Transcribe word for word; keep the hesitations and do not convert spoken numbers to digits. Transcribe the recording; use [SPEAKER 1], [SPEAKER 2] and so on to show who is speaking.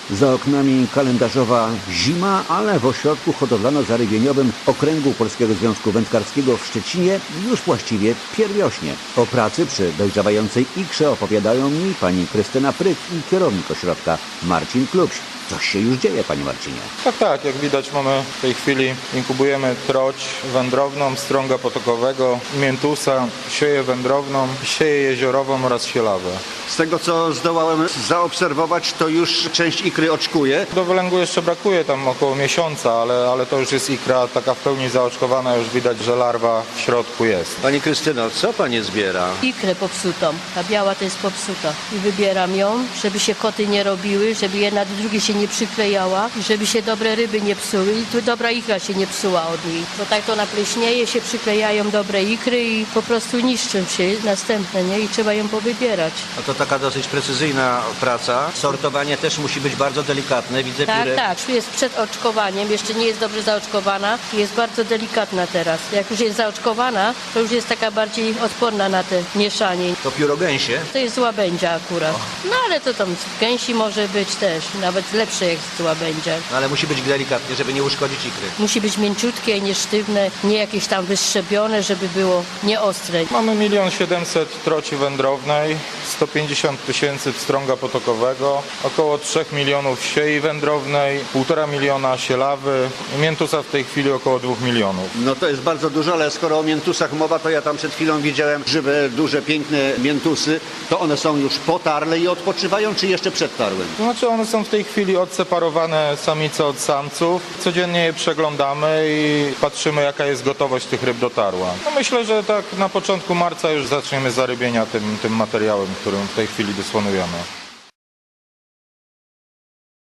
[SPEAKER 1] Za oknami kalendarzowa zima, ale w ośrodku hodowlano-zarybieniowym Okręgu Polskiego Związku Wędkarskiego w Szczecinie już właściwie pierwiośnie. O pracy przy dojrzewającej ikrze opowiadają mi pani Krystyna Pryk i kierownik ośrodka Marcin Klubś. Coś się już dzieje, panie Marcinie.
[SPEAKER 2] Tak, tak, jak widać mamy w tej chwili, inkubujemy troć wędrowną, strąga potokowego, miętusa, sieję wędrowną, sieję jeziorową oraz sielawę.
[SPEAKER 3] Z tego, co zdołałem zaobserwować, to już część ikry oczkuje.
[SPEAKER 2] Do wylęgu jeszcze brakuje tam około miesiąca, ale, ale to już jest ikra taka w pełni zaoczkowana, już widać, że larwa w środku jest.
[SPEAKER 3] Pani Krystyno, co pani zbiera?
[SPEAKER 4] Ikrę popsutą. Ta biała to jest popsuta. I wybieram ją, żeby się koty nie robiły, żeby jedna do drugiej się nie przyklejała i żeby się dobre ryby nie psuły i tu dobra ikra się nie psuła od niej. Bo tak to napleśnieje, się przyklejają dobre ikry i po prostu niszczą się następne, nie? I trzeba ją powybierać.
[SPEAKER 3] No to taka dosyć precyzyjna praca. Sortowanie też musi być bardzo delikatne. Widzę
[SPEAKER 4] Tak,
[SPEAKER 3] pióre...
[SPEAKER 4] tak. Jest przed oczkowaniem, jeszcze nie jest dobrze zaoczkowana i jest bardzo delikatna teraz. Jak już jest zaoczkowana, to już jest taka bardziej odporna na te mieszanie.
[SPEAKER 3] To pióro gęsie.
[SPEAKER 4] To jest łabędzia akurat. No ale to tam z gęsi może być też, nawet lepsze jak z łabędzia.
[SPEAKER 3] No, ale musi być delikatnie, żeby nie uszkodzić ikry.
[SPEAKER 4] Musi być mięciutkie, nie sztywne, nie jakieś tam wyszczepione, żeby było nieostre.
[SPEAKER 2] Mamy milion siedemset troci wędrownej, sto pięćdziesiąt tysięcy pstrąga potokowego, około trzech milionów siei wędrownej, półtora miliona sielawy, miętusa w tej chwili około dwóch milionów.
[SPEAKER 3] No to jest bardzo dużo, ale skoro o miętusach mowa, to ja tam przed chwilą widziałem żywe, duże, piękne miętusy. To one są już po tarle i odpoczywają, czy jeszcze przed tarłem?
[SPEAKER 2] To znaczy one są w tej chwili odseparowane samice od samców. Codziennie je przeglądamy i patrzymy, jaka jest gotowość tych ryb do tarła. No myślę, że tak na początku marca już zaczniemy zarybienia tym, tym materiałem, którym w tej chwili dysponujemy.